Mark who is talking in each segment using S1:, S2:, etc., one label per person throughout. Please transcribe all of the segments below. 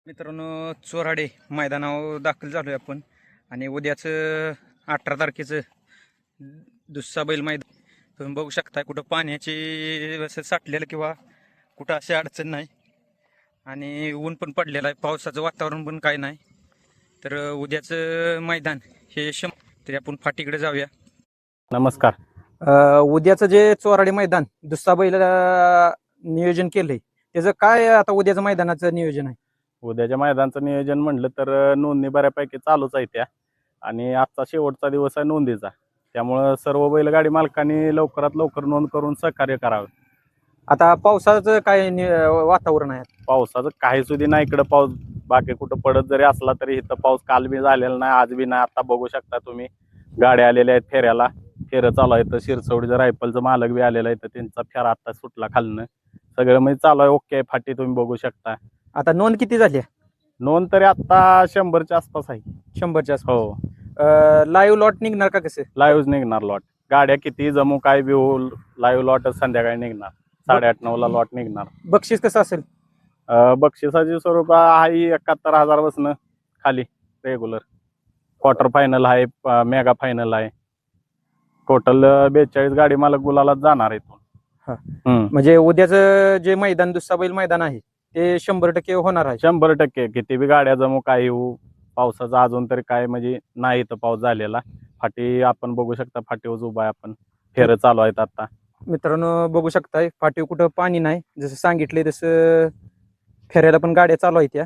S1: मित्रांनो, चोराडे मैदानावर दाखल झालोय आपण आणि उद्याचं 18 तारखेचं दुसरा बैल मैदान तुम्ही बघू शकता. कुठं पाण्याची असं साठलेलं किंवा कुठं अशी अडचण नाही आणि ऊन पण पडलेलं आहे, पावसाचं वातावरण पण काय नाही. तर उद्याचं मैदान हे तरी आपण फाटीकडे जाऊया.
S2: नमस्कार.
S1: उद्याचं जे चोराडे मैदान दुसरा बैल नियोजन केलंय त्याचं काय आता उद्याचं मैदानाचं नियोजन आहे?
S2: उद्याच्या मैदानाचं नियोजन म्हटलं तर नोंदणी बऱ्यापैकी चालूच आहे त्या, आणि आजचा शेवटचा दिवस आहे नोंदीचा. त्यामुळं सर्व बैलगाडी मालकांनी लवकरात लवकर नोंद करून सहकार्य करावं.
S1: आता पावसाचं काय वातावरण आहे?
S2: पावसाचं काही सुधी नाही इकडं. पाऊस बाकी कुठं पडत जरी असला तरी इथं पाऊस काल बी झालेला नाही, आज बी नाही. आता बघू शकता तुम्ही, गाड्या आलेल्या आहेत फेऱ्याला, फेरं चालू आहे. तर शिरसवडीचं रायफलचं मालक बी आलेला आहे, तर त्यांचा फेरा आता सुटला खालनं. सगळं म्हणजे चालू आहे, ओके फाटी तुम्ही बघू शकता.
S1: आता नोंद किती झाली?
S2: नोंद तरी आता 100च्या आसपास आहे.
S1: 100च्या आसपास.
S2: हो,
S1: लाईव्ह लॉट निघणार का कसं?
S2: लाईव्ह निघणार लॉट. गाड्या किती जमू काय बी होईल, लाईव्ह लॉट संध्याकाळी निघणार. 8:30-9ला लॉट निघणार.
S1: बक्षीस कसं असेल?
S2: बक्षिसाचे स्वरूप आहे 71,000 बसणं खाली रेग्युलर. क्वार्टर फायनल आहे, मेगा फायनल आहे. टोटल 42 गाडी मालक गुलालात जाणार इथून.
S1: म्हणजे उद्याचं जे मैदान दुसरा बैल मैदान आहे ते 100% होणार आहे.
S2: 100% किती बी गाड्या जमू काय होऊ. पावसाचा अजून तरी काय म्हणजे नाही तर पाऊस झालेला. फाटी आपण बघू शकता, फाटीवर उभा आहे आपण. फेरं चालू आहेत आता.
S1: मित्रांनो बघू शकताय, फाटीव कुठं पाणी नाही, जसं सांगितलंय तसं फेऱ्याला पण गाड्या चालू आहेत. त्या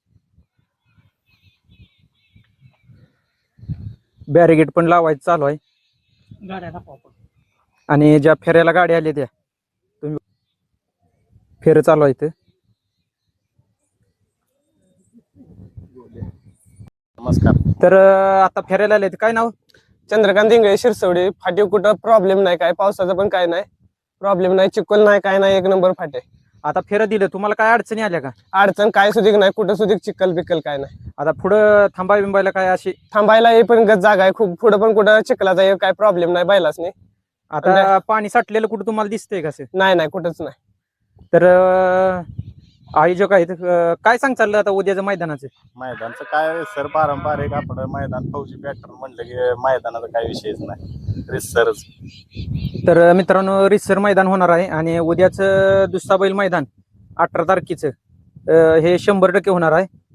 S1: बॅरिगेट पण लावायचं चालू आहे आणि ज्या फेऱ्याला गाड्या आल्या त्या तुम्ही फेरं चालू आहेत.
S2: नमस्कार.
S1: तर आता फेऱ्याला आले काय नाव?
S3: चंद्रकांत इंगळे, शिरसवडी. फाटी कुठं प्रॉब्लेम नाही, काय पावसाचा पण काय नाही प्रॉब्लेम नाही, चिखल नाही काय नाही, 1 नंबर फाटे.
S1: आता फेरं दिलं, तुम्हाला काय अडचणी आल्या का?
S3: अडचण काय सुधीक नाही, कुठं सुधीक चिखल बिकल काय नाही.
S1: आता पुढं थांबा बिंबायला काय अशी
S3: थांबायला हे पण जागा आहे खूप, पुढं पण कुठं चिखलाचा हे काय प्रॉब्लेम नाही बैलाच नाही.
S1: आता पाणी साठलेलं कुठं तुम्हाला दिसतंय का?
S3: नाही कुठंच नाही.
S1: तर आयोजक आहेत, काय सांग चाललं आता उद्याचं मैदानाचं?
S2: मैदानचं काय सर, पारंपरिक आपलं मैदान फौजी पॅटर्न म्हणलं की मैदानाचा काही विषयच नाही, रिसरच.
S1: तर मित्रांनो, रिसर मैदान होणार आहे आणि उद्याचं दुसरा बैल मैदान 18 तारखेचं हे 100% होणार आहे.